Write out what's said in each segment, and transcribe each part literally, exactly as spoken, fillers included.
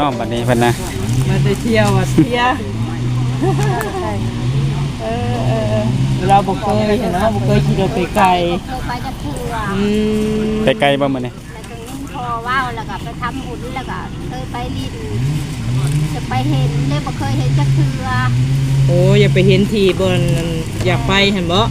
นาะบัดนี้เพิ่นนะมาได้เที่ยวอ่ะเที่ยวเออเออเราบ่เคยเห็นเนาะบ่เคยขี่รถไปไกลเคยไปจะเถื่ออืมไปไกลบ่มื้อนี้แล้วก็นิ่งพอว่าวแล้วก็ไปทำบุญแล้วก็เคยไปลินจะไปเห็นเลยบ่เคยเห็นจะเถื่อโอ้อย่าไปเห็นทีบนอยากไปเห็นบ่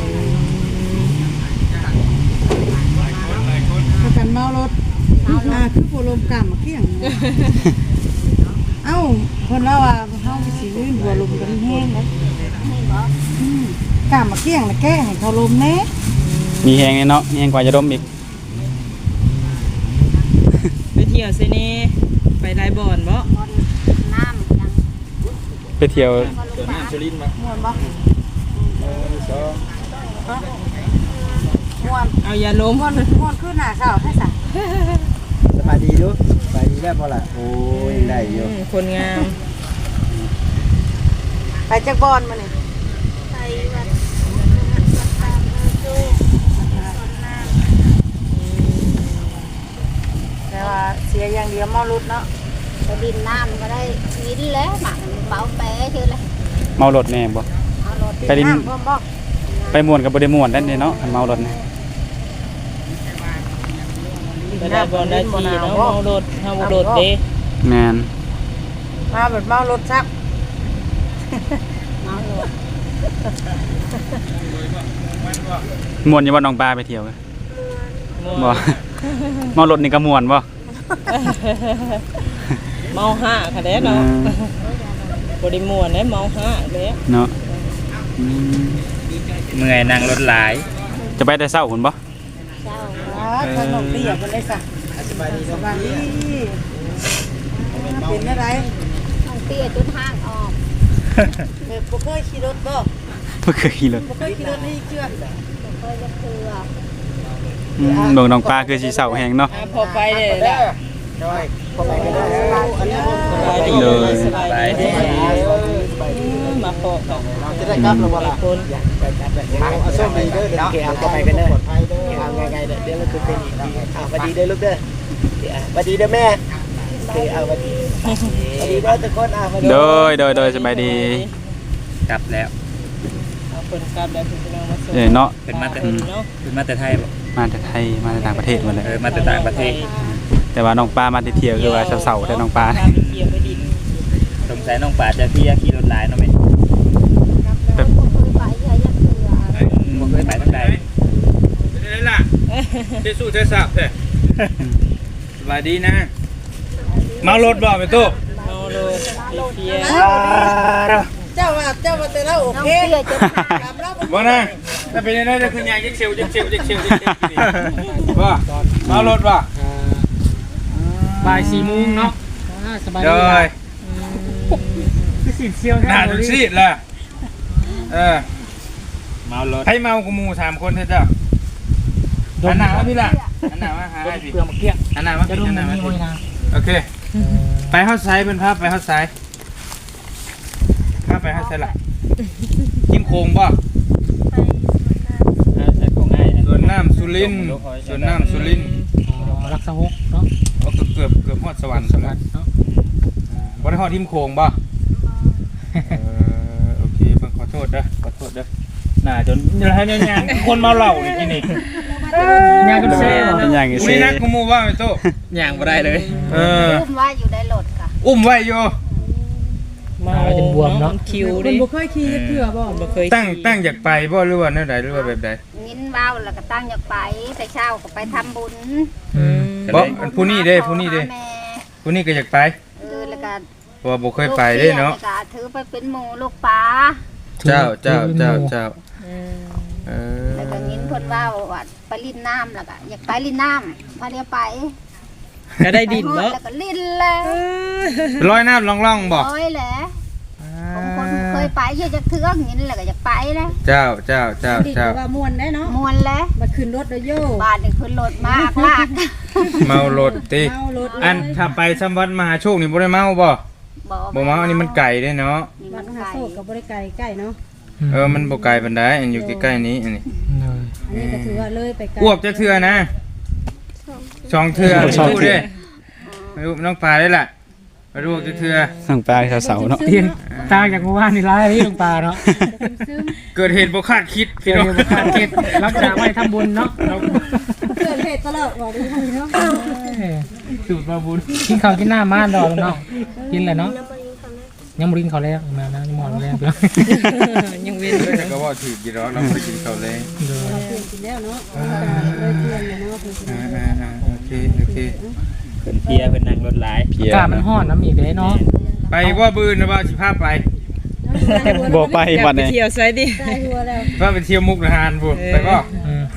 กันเมารถอ่าคือผู้ลมกรรมเกี้ยงเอ้าคนเราอ่ะเฮาสิลื่นหัวลมกันแห้งนะนี่บ่อืมกรรมเกี้ยงน่ะแก้ให้เขาลมแน่มีแฮงเนาะแฮงกว่าจะดมอีกไปเที่ยวซินี่ไปไดบ่อนบ่น้ำยังไปเที่ยวน้ำสุรินทร์บ่ม่วนบ่ม่วนเอาอย่าล้มม่วนม่วนคือหน้าขาวให้ซะสบายดีดูสบายดีแล้วพอละโอ้ยได้อยู่คนงามไปจักบอนมื้อนี้ไปวัดวัดตามโจ้คนน้ำแต่ว่าเสียอย่างเดียวเมารถเนาะำไปดินน้ำก็ได้วินแล้วหมักเบาแปะชื่ออะไรเมารถแน่บ่ไปดินบ่ไปม่วนก็บ่ได้ม่วนนั่นเนาะเมารถนะไปได้บ่ได้ทีเนาะเมารถเฮารถเด้แม่นมาแบบเมารถซักเมารถม่วนอยู่บ่น้องปลาไปเที่ยวบ่เมารถนี่ก็ม่วนบ่เมาห้าค่ะเด้เนาะบ่ได้ม่วนเด้เมาห้าเด้เนาะเมื่อยนั่งรถหลายจะไปแต่เช้าพุ่นบ่เจ้าขนมเปียกกันได้ซะสบายดีสบายดีเป็นอะไรน้องเตี้ยจนห้างออกแบบบ่เคยขี่รถบ่บ่เคยขี่รถบ่เคยขี่รถนี่เชื่อเคยจะเถื่ออืมเบิ่งน้องปลาคือสิเช้าแฮงเนาะพอไปเด้ล่ะน้อยพอไปก็ได้เลยสบายดีมาพอเราจะได้กลับแล้วบ่ล่ะคนเอาส้มดีเด้อเนาะก็ไปกันเด้อเอาไงๆเด้อเดี๋ยวเราคือเป็นอีกอ่ะสวัสดีเด้อลูกเด้อสวัสดีเด้อแม่เอาสวัสดีสวัสดีเด้อทุกคนอ่ะโดยโดยโดยสบายดีกลับแล้วเอาคนกลับแล้วพี่น้องมาส่งเออเนาะเป็นมาแต่เป็นมาแต่ไทยบ่มาแต่ไทยมาแต่ต่างประเทศหมดเลยเออมาแต่ต่างประเทศแต่ว่าน้องปลามาเที่ยวคือว่าเช้าๆแต่น้องปลาสงสัยน้องป่าจะที่ขี่รถหลายเนาะแม่แบบเคยไปใช่ยังเถื่อบ่เคยไปทางใดได้ล่ะเทสู้เทสับเด้สบายดีนะเมารถบ่ไปตู้เมารถเที่ยวเจ้าว่าเจ้าว่าแต่ละโอเคบ่นะถ้าเป็นได้จะคือยางจิกเซลจิกเซลจิกเซลจิกเซลบ่เมารถบ่บ่ายสี่โมงเนาะสบายดีคือสิเชียวน่าดูสิล่ะเออเมารถให้เมากูมูสามคนเถอะเจ้าอันหนาวพี่ล่ะอันหนาวมาหาให้พี่อันหนาวมาพี่อันหนาวมาพี่โอเคไปเข้าไซเป็นภาพไปเข้าไซภาพไปเข้าไซละกินโคงป่ะส่วนน้ำสุรินส่วนน้ำสุรินรักสะฮกเนาะเกือบเกือบฮอดสวรรค์สวรรค์เนาะบ่ได้ฮอดทิมโคงป่ะโอเคเพิ่งขอโทษเด้อขอโทษเด้อน่าจนให้เนี่ยยางคนเมาเหล้านี่กินนี่ยางกันเซ่ยางกันเซ่นี่นักกูมูว่าไอ้โตยางบ่ได้เลยเอออุ้มไว้อยู่ในรถค่ะอุ้มไว้อยู่มาจนบวมเนาะคิวดิบ่เคยขี่เถื่อบ่บ่เคยตั้งตั้งอยากไปบ่หรือว่าแนวใดหรือว่าแบบใดงิ้นว้าวแล้วก็ตั้งอยากไปแต่เช้าก็ไปทำบุญบ่ผู้นี้เด้ผู้นี้เด้ผู้นี้ก็อยากไปเออแล้วก็เพราะว่าบ่เคยไปเด้เนาะถือไปเป็นหมู่ลูกปลาเจ้าเจ้าเจ้าเจ้าเออแล้วก็งิ้นเพิ่นว่าว่าไปลิ้นน้ำแล้วก็อยากไปลิ้นน้ำพาเดียวไปก็ได้ดินเนาะแล้วก็ลิ้นเลยลอยน้ำล่องๆบ่ลอยแหละผมคนเคยไปเยอะจะเทือกงิ้นแล้วก็อยากไปเลยเจ้าเจ้าเจ้าเจ้าว่ามวนได้เนาะมวนเลยมาขึ้นรถเลยโย่บ้านนี่ขึ้นรถมากลากเมารถติอันถ้าไปสัมวัดมหาโชคนี่บ่ได้เมาบ่บ่เมาอันนี้มันไกลเด้เนาะวัดมหาโชคก็บ่ได้ไกลใกล้เนาะเออมันบ่ไกลปานใดอันอยู่ใกล้ๆนี้อันนี้อันนี้ก็ถือว่าเลยไปไกลอ้วกจะเทื่อนะสองเทื่อสู้เด้น้องปลาได้ล่ะไปดูเถื่อน้องปลาเสาๆเนาะเตียงตางจากเมื่อวานนี่ร้ายนี่ลงปลาเนาะเกิดเหตุบ่คาดคิดเดี๋ยวเดี๋ยวขาดเก็ดรับจากไว้ทำบุญเนาะเราเกิดเหตุตลอดบอกดีเนาะสูตรมาบุญกินข้าวกินหน้าม่านดอกเนาะกินแหละเนาะยังบรินเขาแล้วมานะยังหมอนแล้วเพื่อนยังเว้นเออแต่ก็ว่าถือกี่ร้อนเราไปกินข้าวแรงกินแล้วเนาะเลยเตือนเนาะอ่าๆๆโอเคโอเคเพิ่นเพียเพิ่นนั่งรถหลายเพียอากาศมันร้อนน้ำอีกเลยเนาะไปว่าบืนนะว่าสิพาไปบ่ไปอยากวันไปนี้เที่ยวไสดิใส่หัวแล้วว่าไปเที่ยวมุกดาหารบุไปบ่อืม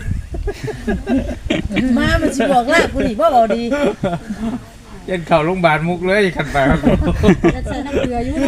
มามันสิบอกลาผู้นี่บ่เอาดีเย็นเข่าโรงพยาบาลมุกเลยขันไปครับจะใส่น้ำเกลืออยู่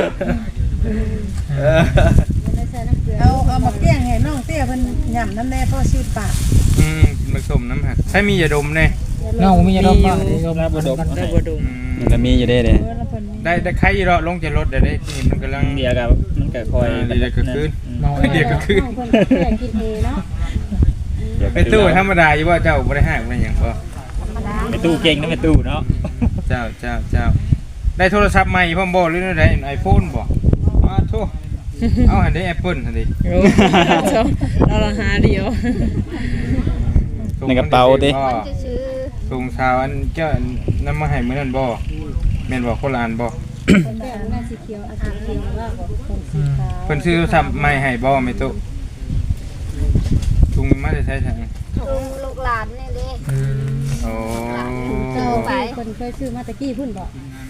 เอาเอามาแกล้งให้น้องเตี้ยเพิ่นย่ำน้ำแน่พ่อชื่อปากอืมมาสมน้ำหักใช้มียาดมแน่เนาะมีอะไรบ้างมีอยู่รับบ่ดมได้บ่ดมอืมมันมีอยู่เด้เด้ได้ได้ใครอยู่รอลงจากรถเดี๋ยวได้ที่มันกำลังเดียวกับมันก็คอยเดี๋ยวก็ขึ้นเนาะเดี๋ยวก็ขึ้นเพิ่นแกล้งกินเองเนาะไปตู้ธรรมดาอยู่ว่าเจ้าบ่ได้ห้างบ่ได้หยังบ่ไปตู้เก่งนะไปตู้เนาะเจ้าเจ้าเจ้าได้โทรศัพท์ใหม่พ่อมบ่หรือได้ไอโฟนบ่อ้าโธ่เอาหันได้แอปเปิ้ลหั่นดิโอ้เราละหาเดียวในกระเป๋าดิมันจะซื้อส่งสาวอันเจ้านำมาให้มื้อนั้นบ่แม่นบ่คนละอันบ่คนแบบหน้าสีเขียวสีเขียวว่าคนสีขาวเพิ่นซื้อโทรศัพท์ใหม่ให้บ่แม่ตุถุงมาได้ใช้ทางลุงลูกหลานนี่เด้อืมโอ้เจอไปคนเคยซื้อมาตะกี้พุ่นบ่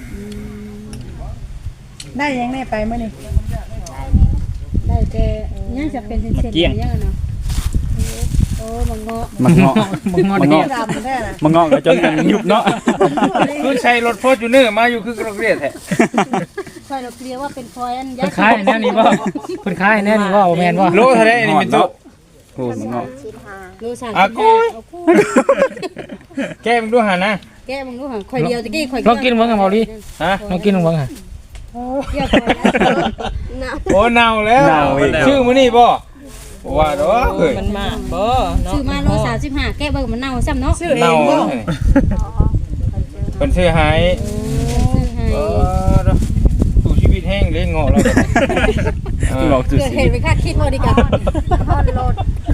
ได้ยังแน่ไปมื้อนี้ได้แต่ยังจะเป็นเส้นๆยังเนาะโอ้มังเงาะมันเงาะบังงอมันเด็กเงาะดำได้ล่ะมันเงาะก็จนกันยุบเนาะคือใช้รถโฟร์จูเนอร์มาอยู่คือกระเรียดแท้ค่อยเราเคลียร์ว่าเป็นคอยอันเพิ่นคายแน่นี่บ่เพิ่นคายแน่นี่บ่แม่นบ่โลเท่าไหร่อันนี้แม่ตุโอ้มันเงาะชิดหาโลสามอ่ะสิบกูห้าเอาคู่แก้มดูหานะแก้มึงดูหั่นค่อยเดียวตะกี้ค่อยลองกินเบิ่งกันบ่ลิฮะลองกินเบิ่งฮะเกี่ยวค่อยนะโอ้เน่าแล้วชื่อมื้อนี้บ่ว่าดอกเอ้ยมันมากบ่เนาะซื้อมาโลสามสิบห้าแก้เบิ่งมันเน่าซ้ำเนาะซื้อเอเน่างบ่เพิ่นซื้อให้ซื้อให้เออสู่ชีวิตแห้งเลยเงาะเราก็เงาะจุดเกิดสีเหตุไปคาดคิดบ่ดีกว่าฮอนรถ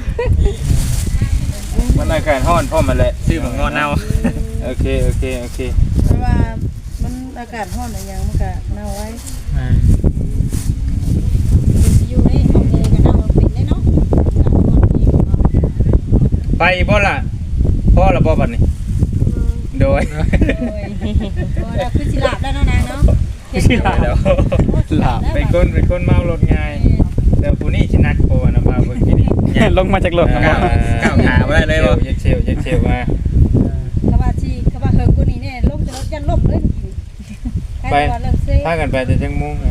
มันได้แค่ฮ้อนพร้อมมาแหละชื่อมันงอเน่าโอเคโอเคโอเคเพราะว่ามันอากาศร้อนอย่างมันก็เน่าไว้อ่าอยู่ในห้องเองก็เน่าเป็นได้เนาะอากาศร้อนอีกเนาะไปบ่ล่ะพ่อละบ่บัดนี้โดยโอ้ยบ่ได้คือสิหลับแล้วเนาะนางเนาะสิลาแล้วหลาบเป็นคนเป็นคนเมารถง่ายแต่ผู้นี้สินักโพนะมาเบิ่งกินนี่ลงมาจากรถนะก้าบ่ก้าวขาบ่ได้เลยบ่ยักเชลยักเชลมากะว่าสิกะว่าเฮิงกูนี่เนี่ยลมจะรถยันลมเลยใครว่าเลิกเซ่พากันไปแต่จังมุ้ง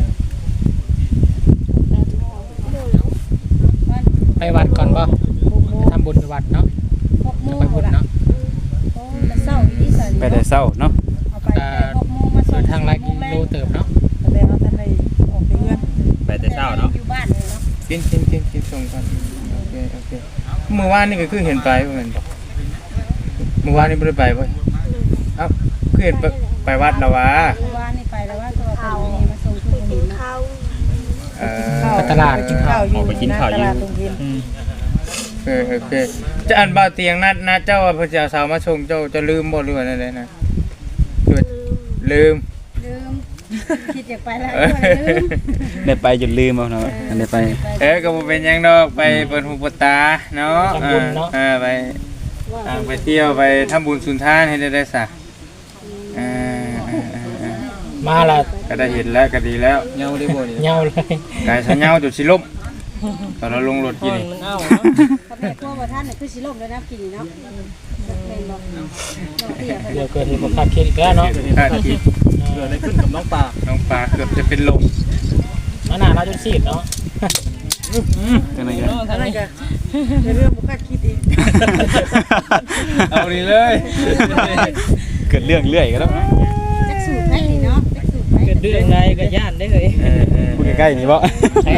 ไปวัดก่อนบ่ไปทำบุญไปวัดเนาะหกโมงไปบุญเนาะโอ้แต่เช้าอีสานไปแต่เช้าเนาะเอาไปแต่หกโมงมาส่เดิงนทางหลายกิโลเติบเนาะแต่เอาทันได้ออกไปเรือนไปแต่เช้าเนาะอยู่บ้านเลยเนาะกินกินกินกินส่งกันโอเคโอเคเมื่อวานนี่ก็คือเห็นไปเหมือนกันเมื่อวานนี่บ่ได้ไปบ่เอ้าคือเห็นไปไปวัดแล้ววะเมื่อวานนี่ไปแล้วว่าตัวเขานี่มาส่งทุกคนเนาะเข้าเออไปตลาดกินข้าวอยู่ตลาดตรงเย็นเออโอเคจะอันบ่าวเตียงนัดนัดเจ้าว่าพระเจ้าสาวมาชงเจ้าจะลืมบ่หรือว่าอะไรนะคือลืมลืมคิดอยากไปแล้วเออก็ลืมได้ไปจนลืมเอาเนาะอันได้ไปเออก็บ่เป็นหยังดอกไปเปิดหูเปิดตาเนาะเออเออไปอ่าไปเที่ยวไปทำบุญสุนทานให้ได้ได้ซะเออเออเออเออมาละก็ได้เห็นแล้วก็ดีแล้วเงาได้บ่นี่เหงาเลยกายสะเงาจุดสิล้มตอนเราลงรถกินนี่มันเอาเนาะกับแม่ตัวว่าท่านน่ะคือสิลมแล้วนะกินนี่เนาะเป็นบ่น้องเตี้ยเดี๋ยวเกิดเหตุบ่คาดคิดอีกแล้วเนาะคาดคิดเกิดอะไรขึ้นกับน้องปลาน้องปลาเกือบจะเป็นลมมาหน้าเราจนซีดเนาะจังได๋เนาะทางนั่นนี้ก็เป็นเรื่องบ่คาดคิดอีกเอาดีเลยเกิดเรื่องเรื่อยก็แล้วจักสูตรไหนนี่เนาะจักสูตรไหนเกิดเรื่องใดก็ย่านได้เลยเออเออพูดใกล้ๆนี่บ่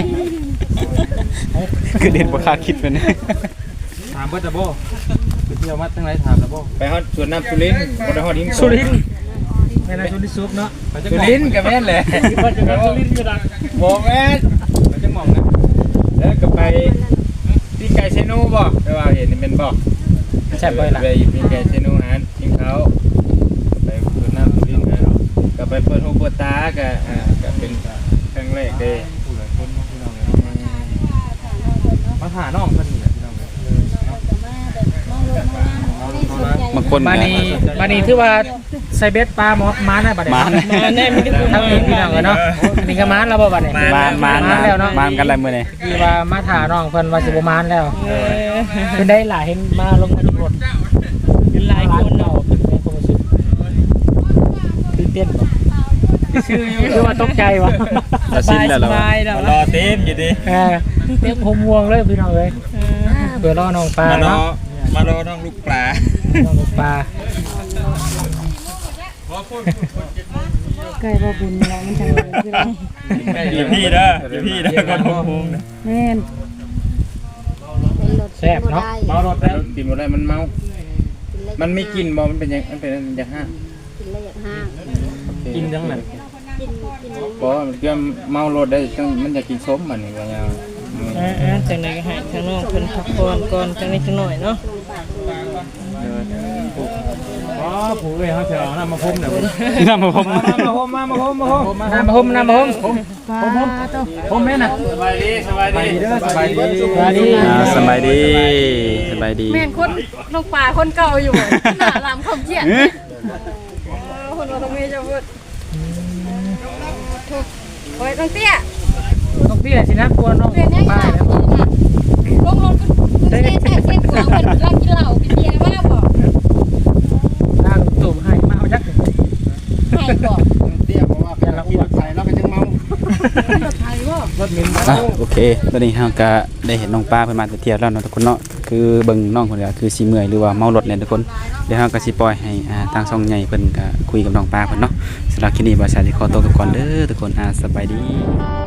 คือเด่นบ่คาดคิดเป็นถามเบิดตะโบไปเที่ยวมาตั้งไรถามตะโบไปฮอดสวนน้ำสุรินทร์บ่ได้ฮอดหิมสุรินทร์สแม่นายสุริสุกเนาะสุรินทร์กับแม่นเลยว่าจะเป็นสุรินทร์อยู่ดังบอกแม่นมันจะมองนะแล้วก็ไปพี่ไก่เชนูบ่ไปว่าเห็นเป็นบ่แซ่บไปล่ะไปพี่ไก่เชนูหากินเขาไปเปิดน้ำสุรินทร์นะก็ไปเปิดหูเปิดตาก็อ่าก็เป็นครั้งแรกเด้มาผ่าน้องเพิ่นนี่แหละพี่น้องบางคนบาก็นีบานีถือว่าใส่เบ็ดปลาหมอม้าได้บัดนี้มานมาแน่มีแต่ทั้งนี้พี่น้องเนาะอันนี้ก็ม้านแล้วบ่บัดนี้มานมานม้านแล้วเนาะมานกันอะไรมื้อนี้ที่ว่ามาถ่าน้องเพิ่นว่าสิบ่ม้านแล้วเออเพิ่นได้หลายเห็นมาลงมาที่รถเป็นหลายคนเนาะเนาะเป็นเป็นความรู้สึกตื่นเต้นบ่ชื่ออยู่คือว่าตกใจวะจะสิ้นแล้วเหรอสบายแล้วรอเต็มอยู่ดิเออเต็มหัวม่วงเลยพี่น้องเอ้ยเพื่อรอน้องปลามารอเนาะมารอน้องลูกปลาน้องปลาไก่บ่บุญเนาะมันจังเลยคือเราอยู่พี่เด้ออยู่พี่เด้อคนพงนะแม่นแซ่บเนาะเมารถแล้วกินหมดเลยมันเมา มันไม่กินบ่มันเป็นยังมันเป็นอย่างห้ากินแล้วอยากห้างกินจังนั้นกินกินบ่มันเกี่ยวเมารถได้จังมันจะกินส้มมันนี่ว่าอย่างเออๆจังได๋ก็ให้ทางน้องเพิ่นพักผ่อนก่อนจังได๋จังหน่อยเนาะอ๋อผู้เอ้ยเขาจะเอาน้ำมาพรมน่ะน้ำมาพมมามาโฮมมามาโฮมมาโฮมน้ำมาพรมน้ำมาพรมปลาโตพรมแม่น่ะสบายดีสบายดีเด้อสบายดีสบายดีอ่าสบายดีสบายดีแม่นคนลงป่าคนเก่าอยู่หน้าลำคมเขียนเอ๊ะคนเราต้องมีจะพูดโอ้ยต้องเตี้ยต้องพี่แหละสินะกลัวน้องเรียนยังไงป้าแล้วลงรถก็เส้นแท้เส้นกว่าคนรักกินเหล้ากินเบียร์มากบอกร่างตุ่มให้มาเอาจักให้บอกเตี้ยเพราะว่าเป็นละอ้วนใส่แล้วก็ยังเมารถมินอ่ะโอเคตอนนี้เราก็ได้เห็นน้องป้าเพิ่นมาเที่ยวแล้วเนาะทุกคนเนาะคือเบิ่งน้องคนเดียวคือสิเมื่อยหรือว่าเมารถเนี่ยทุกคนเดี๋ยวเราก็สิปล่อยให้อ่าทางช่องใหญ่เพิ่นก็คุยกับน้องป้าเพิ่นเนาะสำหรับคลิปนี้บ่าวสาวสิขอตัวกลับก่อนเด้อทุกคนอ่าสบายดี